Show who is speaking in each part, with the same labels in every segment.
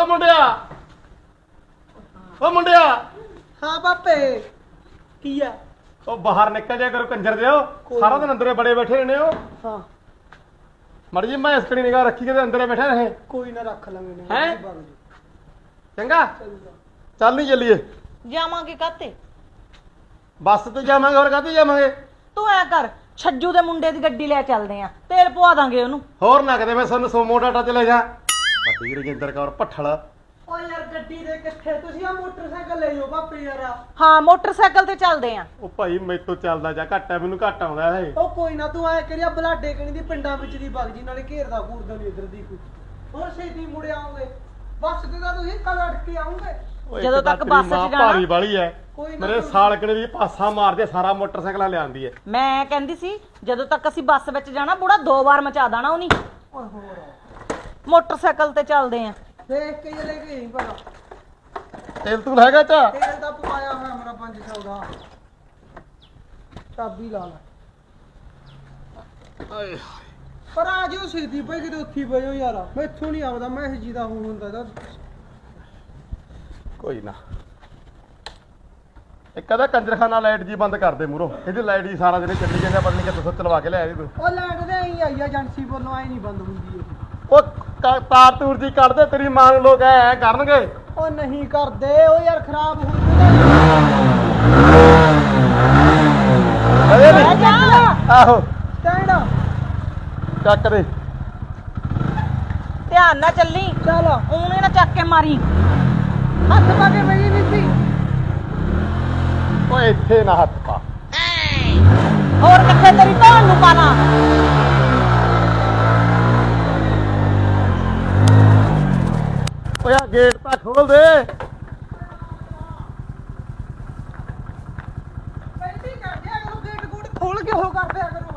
Speaker 1: ਮੁੰਡਿਆ ਓ ਮੁੰਡਿਆ
Speaker 2: ਹਾਂ ਪਾਪੇ ਕੀ ਆ
Speaker 1: ਉਹ ਬਾਹਰ ਨਿਕਲ ਜਾ ਕਰੋ ਕੰਜਰ ਦਿਓ ਸਾਰਾ ਦਿਨ ਅੰਦਰੇ ਬੜੇ ਬੈਠੇ ਰਹਿੰਦੇ ਹੋ
Speaker 2: ਹਾਂ
Speaker 1: ਮੜ ਜੀ ਮੈਂ ਇਸਕੜੀ ਨਿਗਾਹ ਰੱਖੀ ਕਿ ਅੰਦਰੇ ਬੈਠੇ ਰਹੇ
Speaker 2: ਕੋਈ ਨਾ ਰੱਖ ਲਾਂਗੇ ਨੇ
Speaker 1: ਹੈਂ? ਚੰਗਾ ਚੱਲ ਨਹੀਂ ਚੱਲੀਏ
Speaker 3: ਜਾਵਾਂਗੇ ਕਾਤੇ
Speaker 1: ਬੱਸ ਤੇ ਜਾਵਾਂਗੇ ਹੋਰ ਕਾਹਤੇ ਜਾਵਾਂਗੇ
Speaker 3: ਤੂੰ ਐ ਕਰ ਛੱਜੂ ਦੇ ਮੁੰਡੇ ਦੀ ਗੱਡੀ ਲੈ ਚੱਲਦੇ ਆ ਤੇਲ ਪਵਾ ਦਾਂਗੇ ਉਹਨੂੰ
Speaker 1: ਹੋਰ ਨਾ ਕਦੇ ਮੈਂ ਸਾਨੂੰ ਸੋਮੋ ਟਾਟਾ ਤੇ ਲੈ ਜਾ ਵੱਡੀ ਰਜਿੰਦਰ ਕੌਰ ਭੱਠਲ
Speaker 2: ਓ ਯਾਰ ਗੱਡੀ ਦੇ ਕਿੱਥੇ ਤੁਸੀਂ ਆ ਮੋਟਰਸਾਈਕਲ ਲੈ ਜਾਓ ਪਾਪੇ ਯਾਰ
Speaker 3: ਹਾਂ ਮੋਟਰਸਾਈਕਲ ਤੇ ਚੱਲਦੇ ਆ
Speaker 1: ਉਹ ਭਾਈ ਮੈਥੋਂ ਚੱਲਦਾ ਜਾ ਘੱਟ ਹੈ ਮੈਨੂੰ ਘੱਟ ਆਉਂਦਾ ਇਹ
Speaker 2: ਉਹ ਕੋਈ ਨਾ ਤੂੰ ਐ ਕਰਿਆ ਬਲਾਡੇ ਕਣੀ ਦੀ ਪਿੰਡਾਂ ਵਿੱਚ ਦੀ ਬਗ ਜੀ ਨਾਲੇ ਘੇਰਦਾ ਘੂਰਦਾ ਨਹੀਂ ਇਧਰ ਦੀ ਕੋਈ ਹੋਰ ਛੇਤੀ ਮੁੜ ਆਉਂਗੇ ਬੱਸ ਤੇ ਤਾਂ ਤੁਸੀਂ ਕੱਲ ਅੜ ਕੇ ਆਉਂਗੇ
Speaker 1: ਓਏ
Speaker 3: ਜਦੋਂ
Speaker 1: ਇੱਕ ਤਾਂ
Speaker 3: ਤੱਕ
Speaker 1: ਤੇਰੀ
Speaker 3: ਬੱਸ 'ਚ
Speaker 1: ਮਾਂ
Speaker 3: ਜਾਣਾ-
Speaker 1: ਭਾਰੀ ਵਾਲੀ ਐ
Speaker 2: ਕੋਈ ਨਾ
Speaker 1: ਮੇਰੇ
Speaker 2: ਤੂੰ-
Speaker 1: ਸਾਲਕਣੇ ਦੀ ਪਾਸਾ ਮਾਰਦੇ ਸਾਰਾ ਮੋਟਰਸਾਈਕਲਾਂ ਲਿਆਂਦੀ ਐ
Speaker 3: ਮੈਂ ਕਹਿੰਦੀ ਸੀ ਜਦੋਂ ਤੱਕ ਅਸੀਂ ਬੱਸ ਵਿੱਚ ਜਾਣਾ ਬੁੜਾ 2 ਵਾਰ ਮਚਾ ਦੇਣਾ ਉਹਨੀ
Speaker 2: ਓਏ ਹੋਰ
Speaker 3: ਮੋਟਰਸਾਈਕਲ ਤੇ ਚੱਲਦੇ ਆ
Speaker 2: ਦੇਖ ਕੇ ਲੈ ਕੇ ਭਲਾ
Speaker 1: ਤੇਲ ਤੂੰ ਹੈਗਾ ਚਾ
Speaker 2: ਤੇਲ ਤਾਂ ਪਵਾਇਆ ਹੋਇਆ ਮੇਰਾ 500 ਦਾ ਚਾਬੀ ਲਾ ਲੈ ਪਰ ਆ ਜਿਓ ਛੇਤੀ ਪਈ ਕਿਤੇ ਉੱਥੀ ਪਈਓ ਯਾਰ ਮੈਥੋਂ ਨਹੀਂ ਆਉਂਦਾ ਮੈਂ ਇਹ ਜੀ ਦਾ ਹੁਣ ਹੁੰਦਾ ਇਹਦਾ
Speaker 1: ਕੋਈ ਨਾ ਇੱਕ ਅਦਾ ਕੰਜਰਖਾਨਾ ਲਾਈਟ ਜੀ ਬੰਦ ਕਰ ਦੇ ਮੂਰੋ ਇਹਦੀ ਲਾਈਟ ਜੀ ਸਾਰਾ ਦਿਨ ਚੱਲੀ ਜਾਂਦੀ ਪਤਾ ਨਹੀਂ ਕਿੱਥੋਂ ਚਲਵਾ ਕੇ ਲਿਆਇਆ ਇਹਨੂੰ
Speaker 2: ਉਹ ਲਾਈਟ ਦੇ ਆਈ ਆਈ ਏਜੰਸੀ ਵੱਲੋਂ ਆਈ ਨਹੀਂ ਬੰਦ ਹੁੰਦੀ ਇਹ
Speaker 1: ਉਹ ਤਾਰ ਤੂਰ ਜੀ ਕੱਢ ਦੇ ਤੇਰੀ ਮਾਂ ਨੂੰ ਲੋਕ ਐ ਕਰਨਗੇ
Speaker 2: ਉਹ ਨਹੀਂ ਕਰਦੇ ਉਹ ਯਾਰ ਖਰਾਬ ਹੋ ਜੂਗਾ
Speaker 1: ਅਰੇ
Speaker 3: ਲੈ ਜਾ
Speaker 1: ਆਹੋ
Speaker 2: ਸਟੈਂਡ
Speaker 1: ਚੱਕ ਦੇ
Speaker 3: ਧਿਆਨ ਨਾਲ ਚੱਲੀ
Speaker 2: ਚੱਲ
Speaker 3: ਉਹਨੇ ਨਾ ਚੱਕ ਕੇ ਮਾਰੀ
Speaker 2: ਹੱਥ ਪਾ ਕੇ ਬਈ ਨਹੀਂ ਸੀ
Speaker 1: ਓਏ ਇੱਥੇ ਨਾ ਹੱਥ ਪਾ
Speaker 3: ਹੋਰ ਕਿੱਥੇ ਤੇਰੀ ਧੌਣ ਨੂੰ ਪਾਣਾ
Speaker 1: ਓਏ ਆ ਗੇਟ ਤਾਂ ਖੋਲ ਦੇ
Speaker 2: ਪਹਿਲੀ ਕਰ ਦਿਆ ਕਰੋ ਗੇਟ ਗੂਟ ਖੋਲ ਕੇ ਉਹ ਕਰ ਦਿਆ ਕਰੋ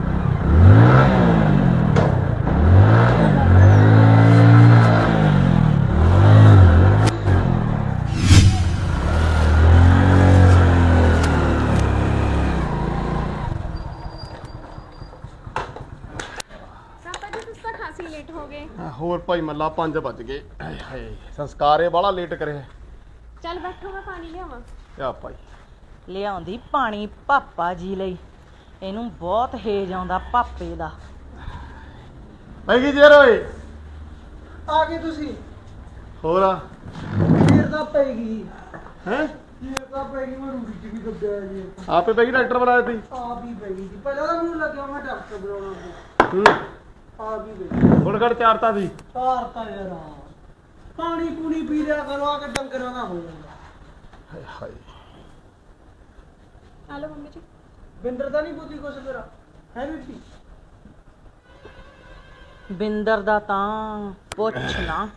Speaker 4: ਲੇਟ ਹੋ ਗਏ
Speaker 1: ਹੋਰ ਭਾਈ ਮੱਲਾ 5 ਵੱਜ ਗਏ ਹਾਏ ਹਾਏ ਸੰਸਕਾਰ ਇਹ ਬਾਹਲਾ ਲੇਟ ਕਰੇ
Speaker 4: ਚੱਲ ਬੈਠੋ ਮੈਂ ਪਾਣੀ ਲਿਆਵਾਂ
Speaker 1: ਆ ਭਾਈ
Speaker 3: ਲਿਆਉਂਦੀ ਪਾਣੀ ਪਾਪਾ ਜੀ ਲਈ ਇਹਨੂੰ ਬਹੁਤ ਹੇਜ ਆਉਂਦਾ ਪਾਪੇ ਦਾ
Speaker 1: ਮੈਂ ਕੀ ਜੇਰ ਓਏ
Speaker 2: ਆ ਗਏ ਤੁਸੀਂ
Speaker 1: ਹੋਰ ਆ
Speaker 2: ਫੇਰ ਤਾਂ ਪੈਗੀ
Speaker 1: ਹੈ
Speaker 2: ਫੇਰ ਤਾਂ ਪੈਗੀ ਮੈਂ ਰੂੜੀ ਚ ਵੀ ਦੱਬਿਆ ਜੀ
Speaker 1: ਆਪੇ ਬੈਗੀ ਡਾਕਟਰ ਬਣਾ ਦਿੱਤੀ
Speaker 2: ਆ ਵੀ ਪੈਗੀ ਜੀ ਪਹਿਲਾਂ ਤਾਂ ਮੈਨੂੰ ਲੱਗਿਆ ਮੈਂ ਡਾਕਟਰ ਬਣਾਉਣਾ
Speaker 1: ਹੂੰ
Speaker 2: ਆ ਵੀ ਪੈਗੀ
Speaker 1: ਹੁਣ ਘੜ ਚਾਰਤਾ ਸੀ
Speaker 2: ਸਾਰ ਤਾਂ ਯਾਰ ਪਾਣੀ ਪੂਣੀ ਪੀ ਲਿਆ ਕਰੋ ਆ ਕੇ ਡੰਗਰਾਂ ਦਾ ਹੋ ਜਾਂਦਾ
Speaker 1: ਹਾਏ ਹਾਏ
Speaker 4: ਆ ਲਓ ਮੰਮੀ ਜੀ
Speaker 2: ਬਿੰਦਰ ਦਾ ਨਹੀਂ ਬੁੱਧੀ ਕੁਛ ਤੇਰਾ ਹੈ ਬੀਬੀ
Speaker 3: ਬਿੰਦਰ ਦਾ ਤਾਂ ਪੁੱਛ ਨਾ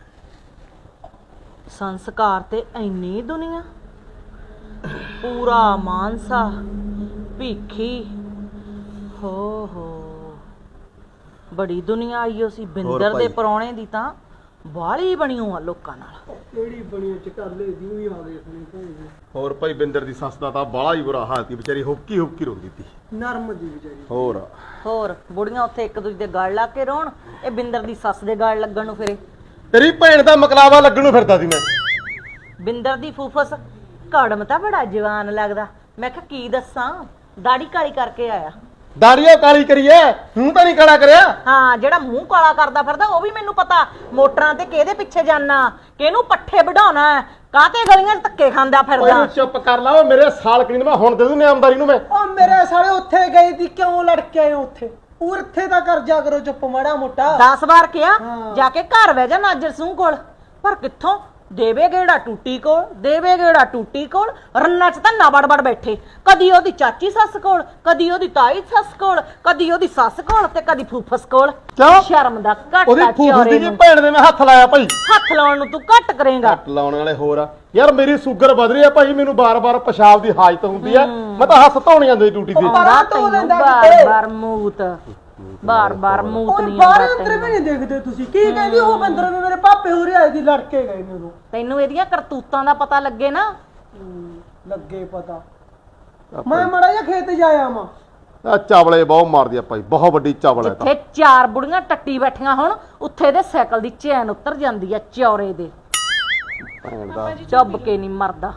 Speaker 3: ਸੰਸਕਾਰ ਤੇ ਇੰਨੀ ਦੁਨੀਆ ਪੂਰਾ ਮਾਨਸਾ ਭੀਖੀ ਹੋ ਬੜੀ ਦੁਨੀਆ ਆਈਓ ਸੀ ਬਿੰਦਰ ਦੇ
Speaker 1: ਭਾਈ?
Speaker 3: ਪਰੌਣੇ ਦੀ ਤਾਂ ਬਾਲੀ ਬਣੀਓ ਆ ਲੋਕਾਂ ਨਾਲ
Speaker 2: ਕਿਹੜੀ ਬਣੀ ਚਕਾਲੇ ਦੀ ਵੀ ਆ ਗਏ ਸੁਣੀ ਭਾਈ
Speaker 1: ਹੋਰ ਭਾਈ ਬਿੰਦਰ ਦੀ ਸੱਸ ਦਾ ਤਾਂ ਬਾਲਾ ਹੀ ਬੁਰਾ ਹਾਲ ਸੀ ਵਿਚਾਰੀ ਹੁੱਕੀ ਹੁੱਕੀ ਰੋਂਦੀ ਸੀ
Speaker 2: ਨਰਮ ਜੀ ਵਿਚਾਰੀ
Speaker 3: ਹੋਰ ਬੁੜੀਆਂ ਉੱਥੇ ਇੱਕ ਦੂਜੇ ਦੇ ਗਲ ਲਾ ਕੇ ਰੋਣ ਇਹ ਬਿੰਦਰ ਦੀ ਸੱਸ ਦੇ ਗਲ ਲੱਗਣ ਨੂੰ ਫਿਰੇ
Speaker 1: ਤੇਰੀ ਭੈਣ ਦਾ ਮਕਲਾਵਾ ਲੱਗਣ ਨੂੰ ਫਿਰਦਾ ਸੀ ਮੈਂ
Speaker 3: ਬਿੰਦਰ ਦੀ ਫੂਫਸ ਕੜਮ ਤਾਂ ਬੜਾ ਜਵਾਨ ਲੱਗਦਾ ਮੈਂ ਕਿਹਾ ਕੀ ਦੱਸਾਂ ਦਾੜੀ ਕਾਲੀ ਕਰਕੇ ਆਇਆ
Speaker 1: ਦਾੜੀਆਂ ਕਾਲੀ ਕਰੀਏ ਤੂੰ ਤਾਂ ਨਹੀਂ ਕਾਲਾ ਕਰਿਆ
Speaker 3: ਹਾਂ ਜਿਹੜਾ ਮੂੰਹ ਕਾਲਾ ਕਰਦਾ ਫਿਰਦਾ ਉਹ ਵੀ ਮੈਨੂੰ ਪਤਾ ਮੋਟਰਾਂ ਤੇ ਕਿਹਦੇ ਪਿੱਛੇ ਜਾਣਾ ਕਿਹਨੂੰ ਪੱਠੇ ਵਢਾਉਣਾ ਕਾਹਤੇ ਗਲੀਆਂ 'ਚ ਧੱਕੇ ਖਾਂਦਾ ਫਿਰਦਾ
Speaker 1: ਓਏ ਚੁੱਪ ਕਰ ਲਾ ਓ ਮੇਰੇ ਸਾਲਕਣੀ ਨੂੰ ਮੈਂ ਹੁਣ ਦੇ ਦੂੰ ਨਿਆਮਦਾਰੀ ਨੂੰ ਮੈਂ
Speaker 2: ਉਹ ਮੇਰੇ ਸਾਲੇ ਉੱਥੇ ਗਏ ਦੀ ਕਿਉਂ ਲੜ ਕੇ ਆਏ ਉੱਥੇ ਉੱਥੇ ਤਾਂ ਕਰ ਜਾ ਕਰੋ ਚੁੱਪ ਮਾੜਾ ਮੋਟਾ
Speaker 3: 10 ਵਾਰ ਕਿਹਾ
Speaker 2: ਹਾਂ।
Speaker 3: ਜਾ ਕੇ ਘਰ ਬਹਿ ਜਾ ਨਾਜਰ ਸਿੰਘ ਕੋਲ ਪਰ ਕਿੱਥੋਂ ਦੇਵੇ ਗੇੜਾ ਟੂਟੀ ਕੋਲ ਰੰਨਾ 'ਚ ਤਾਂ ਨਾ ਬੜਬੜ ਬੈਠੇ ਕਦੀ ਉਹਦੀ ਚਾਚੀ ਸੱਸ ਕੋਲ ਕਦੀ ਉਹਦੀ ਤਾਈ ਸੱਸ ਕੋਲ ਕਦੀ ਉਹਦੀ ਸੱਸ ਕੋਲ ਤੇ ਕਦੀ ਫੂਫਸ ਕੋਲ
Speaker 1: ਕਿਉਂ?
Speaker 3: ਸ਼ਰਮ ਦਾ
Speaker 1: ਉਹਦੀ
Speaker 3: ਘਾਟਾ
Speaker 1: ਫੂਫੀ
Speaker 3: ਚੌਰੇ
Speaker 1: ਦੀ
Speaker 3: ਨੂੰ
Speaker 1: ਭੈਣ ਦੇ ਮੈਂ ਹੱਥ ਲਾਇਆ ਭਾਈ
Speaker 3: ਹੱਥ ਲਾਉਣ ਨੂੰ ਤੂੰ ਘੱਟ ਕਰੇਂਗਾ
Speaker 1: ਘੱਟ ਲਾਉਣ ਵਾਲੇ ਹੋਰ ਆ ਯਾਰ ਮੇਰੀ ਸ਼ੂਗਰ ਵਧ ਰਹੀ ਆ ਭਾਈ ਮੈਨੂੰ ਬਾਰ-ਬਾਰ ਪਿਸ਼ਾਬ ਦੀ ਹਾਜਤ ਹੁੰਦੀ ਆ ਮੈਂ ਤਾਂ ਹੱਥ ਧੋਣ ਜਾਂਦੀ ਡਿਊਟੀ ਤੇ
Speaker 3: ਆਉਂਦਾ
Speaker 2: ਧੋ
Speaker 3: ਤੈਨੂੰ
Speaker 2: ਲੈਂਦਾ ਕਿਤੇ।
Speaker 3: ਬਾਰ-ਬਾਰ ਮੂਤ
Speaker 2: ਉਹ
Speaker 3: ਨਹੀਂ
Speaker 2: ਬਾਹਰ
Speaker 3: ਆਉਂਦਾ
Speaker 2: ਅੰਦਰ ਵੀ
Speaker 3: ਤੈਨੂੰ
Speaker 2: ਨਹੀਂ ਦੇਖਦੇ ਤੁਸੀਂ ਕੀ ਕਹਿੰਦੀ ਉਹ ਬੰਦਰ ਨੂੰ ਮੇਰੇ ਪਾਪੇ ਹੋ ਰਿਹਾ ਦੀ ਲੜ ਕੇ ਗਏ ਨੇ ਉਦੋਂ
Speaker 3: ਤੈਨੂੰ ਇਹਦੀਆਂ ਕਰਤੂਤਾਂ ਦਾ ਪਤਾ ਲੱਗੇ ਨਾ
Speaker 2: ਲੱਗੇ ਪਤਾ ਮੈਂ ਮੜਾ ਜਿਹਾ ਖੇਤ ਜਾਇਆ ਮਾਂ
Speaker 1: ਆ ਚਾਵਲੇ ਬਹੁਤ ਮਾਰਦੀ ਆ ਭਾਈ ਬਹੁਤ ਵੱਡੀ ਚਾਵਲ ਹੈ ਤਾਂ
Speaker 3: ਜਿੱਥੇ 4 ਬੁੜੀਆਂ ਟੱਟੀ ਬੈਠੀਆਂ ਹੁਣ ਉੱਥੇ ਦੇ ਸਾਈਕਲ ਦੀ ਚੈਨ ਉਤਰ ਜਾਂਦੀ ਆ ਚੌਰੇ ਦੇ
Speaker 1: ਭੈਣ ਦਾ
Speaker 4: ਪਾਪਾ ਜੀ
Speaker 3: ਚੱਬ ਕੇ ਨਹੀਂ ਮਰਦਾ।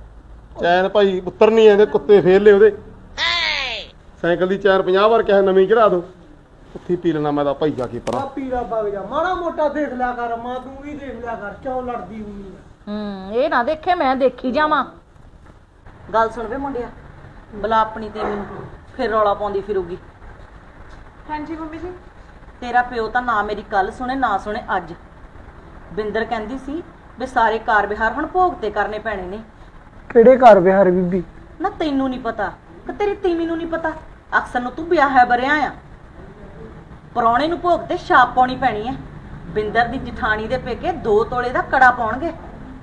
Speaker 1: ਚੈਨ ਭਾਈ ਉੱਤਰ ਨਹੀਂ ਆਉਂਦੇ, ਕੁੱਤੇ ਫੇਰ ਲਏ ਉਹਦੇ। ਸਾਈਕਲ ਦੀ ਚੈਨ 50 ਵਾਰ ਕਿਹਾ ਨਵੀਂ ਚੜਾ ਦੋ, ਉੱਥੇ ਪੀ ਲੈਣਾ ਮੈਂ ਤਾਂ ਭਾਈ ਜਾ ਕੇ ਪਰਾਂ।
Speaker 2: ਆ ਪੀਲਾ ਵਗ ਜਾ, ਮਾੜਾ ਮੋਟਾ ਦੇਖ ਲਿਆ ਕਰ ਮਾਂ, ਤੂੰ ਵੀ ਦੇਖ ਲਿਆ ਕਰ, ਕਿਉਂ ਲੜਦੀ ਹੁੰਦੀ ਆ?
Speaker 3: ਇਹ ਨਾ ਦੇਖੇ ਮੈਂ ਦੇਖੀ ਜਾਵਾਂ। ਗੱਲ ਸੁਣ ਵੇ ਮੁੰਡਿਆ, ਬਲਾ ਆਪਣੀ ਤੇ ਮੈਨੂੰ ਫਿਰ ਰੌਲਾ ਪਾਉਂਦੀ ਫਿਰੂਗੀ।
Speaker 4: ਹਾਂਜੀ ਮੰਮੀ ਜੀ।
Speaker 3: ਤੇਰਾ ਪਿਓ ਤਾਂ ਨਾ ਮੇਰੀ ਗੱਲ ਸੁਣੇ ਨਾ ਸੁਣੇ ਅੱਜ। ਬਿੰਦਰ ਕਹਿੰਦੀ ਸੀ ਵੀ ਸਾਰੇ ਕਾਰ ਵਿਹਾਰ ਹੁਣ ਭੋਗ ਤੇ ਕਰਨੇ ਪੈਣੇ ਨੇ।
Speaker 2: ਕਿਹੜੇ ਘਰ ਵਿਹਾਰ ਬੀਬੀ?
Speaker 3: ਨਾ ਤੈਨੂੰ ਨਹੀਂ ਪਤਾ ਕਿ ਤੇਰੀ ਤੀਵੀਂ ਨੂੰ ਨਹੀਂ ਪਤਾ? ਅਕਸਰ ਨੂੰ ਤੂੰ ਵਿਆਹਿਆ ਬਰਿਆ ਆ। ਪ੍ਰਾਹੁਣੇ ਨੂੰ ਭੋਗ ਤੇ ਛਾਪ ਪਾਉਣੀ ਪੈਣੀ ਹੈ। ਬਿੰਦਰ ਦੀ ਜਠਾਣੀ ਦੇ ਪੇਕੇ 2 ਤੋਲੇ ਦਾ ਕੜਾ ਪਾਉਣਗੇ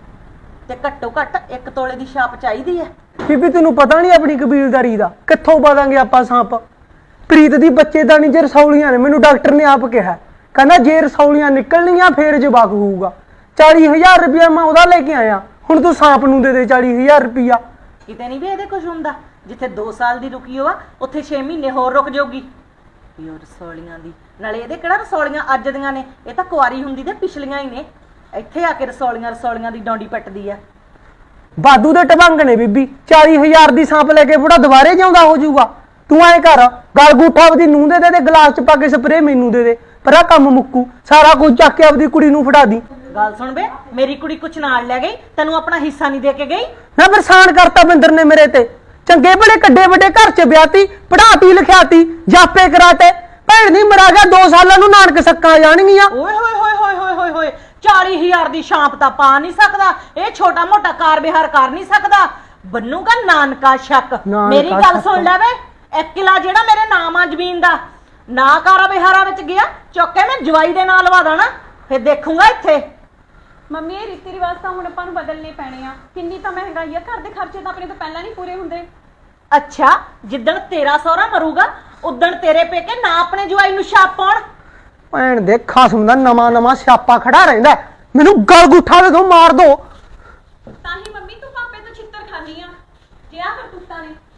Speaker 3: ਤੇ ਘੱਟੋ ਘੱਟ 1 ਤੋਲੇ ਦੀ ਛਾਪ ਚਾਹੀਦੀ ਹੈ।
Speaker 2: ਬੀਬੀ ਤੈਨੂੰ ਪਤਾ ਨਹੀਂ ਆਪਣੀ ਕਬੀਲਦਾਰੀ ਦਾ, ਕਿੱਥੋਂ ਪਾਦਾਂਗੇ ਆਪਾਂ ਸਾਂਪ? ਪ੍ਰੀਤ ਦੀ ਬੱਚੇਦਾਨੀ ਜੇ ਰਸੌਲੀਆਂ ਨੇ, ਮੈਨੂੰ ਡਾਕਟਰ ਨੇ ਆਪ ਕਿਹਾ, ਕਹਿੰਦਾ ਜੇ ਰਸੌਲੀਆਂ ਨਿਕਲਣੀਆਂ ਫੇਰ ਜਵਾਕ ਹੋਊਗਾ। 40,000 ਰੁਪਇਆ ਮੈਂ ਉਹਦਾ ਲੈ ਕੇ ਆਇਆ, ਹੁਣ ਤੂੰ ਸਾਂਪ ਨੂੰ ਦੇ ਦੇ 40,000 ਰੁਪਇਆ।
Speaker 3: ਕਿਤੇ ਨਹੀਂ ਵੀ ਇਹਦੇ ਕੁਝ ਹੁੰਦਾ। ਜਿੱਥੇ 2 ਸਾਲ ਦੀ ਰੁਕੀ ਹੋਆ ਉੱਥੇ 6 ਮਹੀਨੇ ਹੋਰ ਰੁਕ ਜਾਊਗੀ। ਵੀ ਉਹ ਰਸੌਲੀਆਂ ਦੀ, ਨਾਲੇ ਇਹਦੇ ਕਿਹੜਾ ਰਸੌਲੀਆਂ ਅੱਜ ਦੀਆਂ ਨੇ, ਇਹ ਤਾਂ ਕੁਆਰੀ ਹੁੰਦੀ ਤੇ ਪਿਛਲੀਆਂ ਹੀ ਨੇ। ਇੱਥੇ ਆ ਕੇ ਰਸੌਲੀਆਂ ਦੀ ਡੌਂਡੀ ਪੱਟਦੀ ਆ।
Speaker 2: ਬਾਦੂ ਦੇ ਟਬੰਗ ਨੇ ਬੀਬੀ, 40,000 ਦੀ ਸਾਂਪ ਲੈ ਕੇ ਬੁੜਾ ਦੁਬਾਰੇ ਜਿਉਂਦਾ ਹੋ ਜਾਊਗਾ। ਤੂੰ ਐ ਕਰ, ਗਲ ਗੂਠਾ ਆਪਦੀ ਨੂੰਹ ਦੇ ਦੇ, ਗਲਾਸ ਚ ਪਾ ਕੇ ਸਪਰੇ ਮੈਨੂੰ ਦੇ ਦੇ, ਪਰ ਆ ਕੰਮ ਮੁੱਕੂ। ਸਾਰਾ ਕੁਝ ਚੱਕ ਕੇ ਆਪਦੀ ਕੁੜੀ ਨੂੰ ਫੜਾ ਦੀ।
Speaker 3: ਗੱਲ ਸੁਣ ਵੇ, ਮੇਰੀ ਕੁੜੀ ਕੁਛ ਨਾਲ ਲੈ ਗਈ, ਤੈਨੂੰ ਆਪਣਾ ਹਿੱਸਾ ਨਹੀਂ ਦੇ ਕੇ ਗਈ।
Speaker 2: ਮੈਂ ਪਰੇਸ਼ਾਨ ਕਰਤਾ ਬਿੰਦਰ ਨੇ ਮੇਰੇ ਤੇ। ਚੰਗੇ ਬੜੇ ਕੱਡੇ ਵੱਡੇ ਘਰ ਚ ਵਿਆਹਤੀ, ਪੜਾਤੀ ਲਿਖਿਆਤੀ, ਜਾਪੇ ਕਰਾਤੇ। ਭੈਣ ਦੀ ਮਰਾ ਗਿਆ, 2 ਸਾਲਾਂ ਨੂੰ ਨਾਨਕ ਸੱਕਾਂ ਆ ਜਾਣਗੀਆਂ।
Speaker 3: ਓਏ ਹੋਏ ਹੋਏ ਹੋਏ ਹੋਏ ਹੋਏ ਹੋਏ, 40,000 ਦੀ ਛਾਂਪ ਤਾਂ ਪਾ ਨਹੀਂ ਸਕਦਾ, ਇਹ ਛੋਟਾ ਮੋਟਾ ਕਾਰ ਵਿਹਾਰ ਕਰ ਨਹੀਂ ਸਕਦਾ। ਬੰਨੂਗਾ ਨਾਨਕਾ ਸ਼ੱਕ। ਮੇਰੀ ਗੱਲ ਸੁਣ ਲੈ ਵੇ, 1 ਕਿਲਾ ਜਿਹੜਾ ਮੇਰੇ ਨਾਮ ਆ ਜ਼ਮੀਨ ਦਾ, ਨਾ ਕਾਰਾ ਵਿਹਾਰਾਂ ਵਿੱਚ ਗਿਆ, ਚੁੱਕ ਕੇ ਮੈਂ ਜਵਾਈ ਦੇ ਨਾਲ ਲਵਾ ਦੇਣਾ, ਫਿਰ ਦੇਖੂਗਾ ਇੱਥੇ।
Speaker 4: ਮੰਮੀ ਇਹ ਰੀਤੀ ਰਿਵਾਜ ਤਾਂ ਹੁਣ ਆਪਾਂ ਨੂੰ ਬਦਲਨੇ ਪੈਣੇ ਆ। ਕਿੰਨੀ ਤਾਂ ਮਹਿੰਗਾਈ ਆ, ਘਰ ਦੇ ਖਰਚੇ ਤਾਂ ਆਪਣੇ ਤੋਂ ਪਹਿਲਾਂ ਨਹੀਂ ਪੂਰੇ ਹੁੰਦੇ।
Speaker 3: ਅੱਛਾ, ਜਿੱਦਣ ਤੇਰਾ ਸਹੁਰਾ ਮਰੂਗਾ ਉਦਣ ਤੇਰੇ ਪੇਕੇ ਨਾ ਆਪਣੇ ਜਵਾਈ ਨੂੰ ਛਾਪ ਪਾਉਣ।
Speaker 2: ਭੈਣ ਦੇ ਖਸਮ ਦਾ ਨਵਾਂ ਸਿਆਪਾ ਖੜਾ ਰਹਿੰਦਾ। ਮੈਨੂੰ ਗਲ ਗੁੱਠਾ ਦੇ ਦੋ, ਮਾਰ ਦੋ।
Speaker 4: ਤਾਂ ਹੀ ਮੰਮੀ ਤੂੰ ਪਾਪੇ ਤੋਂ ਛਿੱਤਰ ਖਾਨੀ ਆ। ਜੇ ਆ ਕਰਤੂਤਾਂ ਨੇ